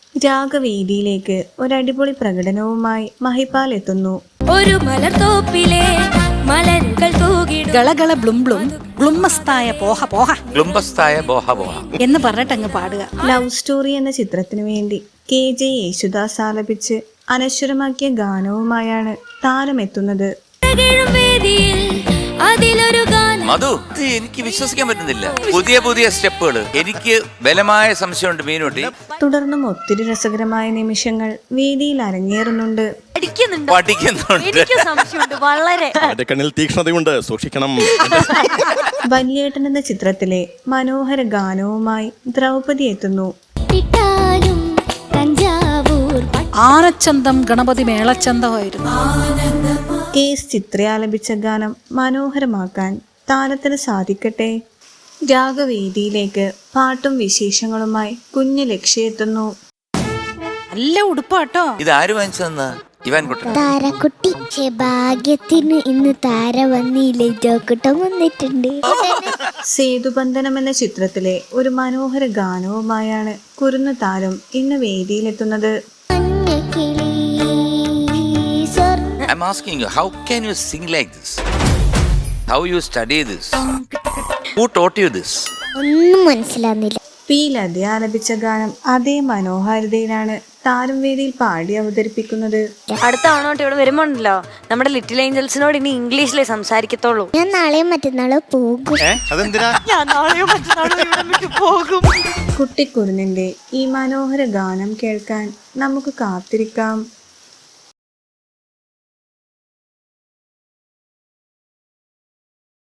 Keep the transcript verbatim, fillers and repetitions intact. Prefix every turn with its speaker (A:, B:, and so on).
A: രാഗവേദിയിലേക്ക് ഒരടിപൊളി പ്രകടനവുമായി മഹിപാൽ എത്തുന്നു.
B: ഒരു മലർത്തോപ്പിലെ മലരുകൾ തൂകിടും
C: ഗളഗള ബ്ലും ബ്ലും ഗ്ലുമ്മസ്തായ പോഹ പോഹ
D: ഗ്ലുംബസ്തായ ബോഹ ബോഹ
C: എന്ന് പറഞ്ഞിട്ടങ്ങ് പാടുക.
A: ലവ് സ്റ്റോറി എന്ന ചിത്രത്തിനു വേണ്ടി കെ ജെ യേശുദാസ് ആലപിച്ച് അനശ്വരമാക്കിയ ഗാനവുമായാണ് താരമെത്തുന്നത്.
B: വേദിയിൽ അതിലൊരു ഗാനം.
D: മധു, ഇത് എനിക്ക് വിശ്വസിക്കാൻ പറ്റുന്നില്ല. പുതിയ പുതിയ സ്റ്റെപ്പുകൾ. എനിക്ക് ബലമായ സംശയമുണ്ട് മീനുട്ടി.
A: തുടർന്നും ഒത്തിരി രസകരമായ നിമിഷങ്ങൾ വേദിയിൽ അരങ്ങേറുന്നുണ്ട്.
D: പഠിക്കുന്നുണ്ട്.
B: വളരെ
E: കണ്ണിൽ തീക്ഷ്ണതയുണ്ട്, സൂക്ഷിക്കണം.
A: വല്യേട്ടൻ എന്ന ചിത്രത്തിലെ മനോഹര ഗാനവുമായി ദ്രൗപദി എത്തുന്നു.
C: ആനച്ചന്തം ഗണപതി മേളച്ചന്തമായിരുന്നു.
A: കെ എസ് ചിത്ര ആലപിച്ച ഗാനം മനോഹരമാക്കാൻ താരത്തിന് സാധിക്കട്ടെ. രാഗവേദിയിലേക്ക് പാട്ടും വിശേഷങ്ങളുമായി കുഞ്ഞു ലക്ഷ്യ എത്തുന്നു.
C: നല്ല ഉടുപ്പാട്ടോ.
D: ഇത് ആര് വാങ്ങിച്ചതെന്നാ? ഇവാൻ കുട്ടൻ.
F: താരക്കുട്ടി. ഭാഗ്യത്തിന് ഇന്ന് താര വന്നില്ലേ, ജോക്കുട്ടം വന്നിട്ടുണ്ട്.
A: സേതുബന്ധനം എന്ന ചിത്രത്തിലെ ഒരു മനോഹര ഗാനവുമായാണ് കുരുന്നു താരം ഇന്ന് വേദിയിലെത്തുന്നത്.
D: I'm asking you, how can you sing like this? How you study this? Who taught you this?
F: ഒന്നും മനസ്സിലാകുന്നില്ല.
A: പി ലത ആലപിച്ച ഗാനം അതേ മനോഹാരിതയിലാണ് താരം വേദിയിൽ പാടി അവതരിപ്പിക്കുന്നത്.
G: അടുത്ത തവണ ഇവിടെ വരുമ്പോണ്ടല്ലോ നമ്മുടെ ലിറ്റിൽ ഏഞ്ചൽസിനോട് ഇനി ഇംഗ്ലീഷിലേ സംസാരിക്കത്തുള്ളൂ.
F: ഞാൻ നാളെയും മറ്റന്നാളോ പോകും.
G: ഞാൻ നാളെയോ മറ്റന്നാളോ ഇവിടെ വിട്ടു പോകും.
A: കുട്ടിക്കുരുന്നിന്റെ ഈ മനോഹര ഗാനം കേൾക്കാൻ നമുക്ക് കാത്തിരിക്കാം.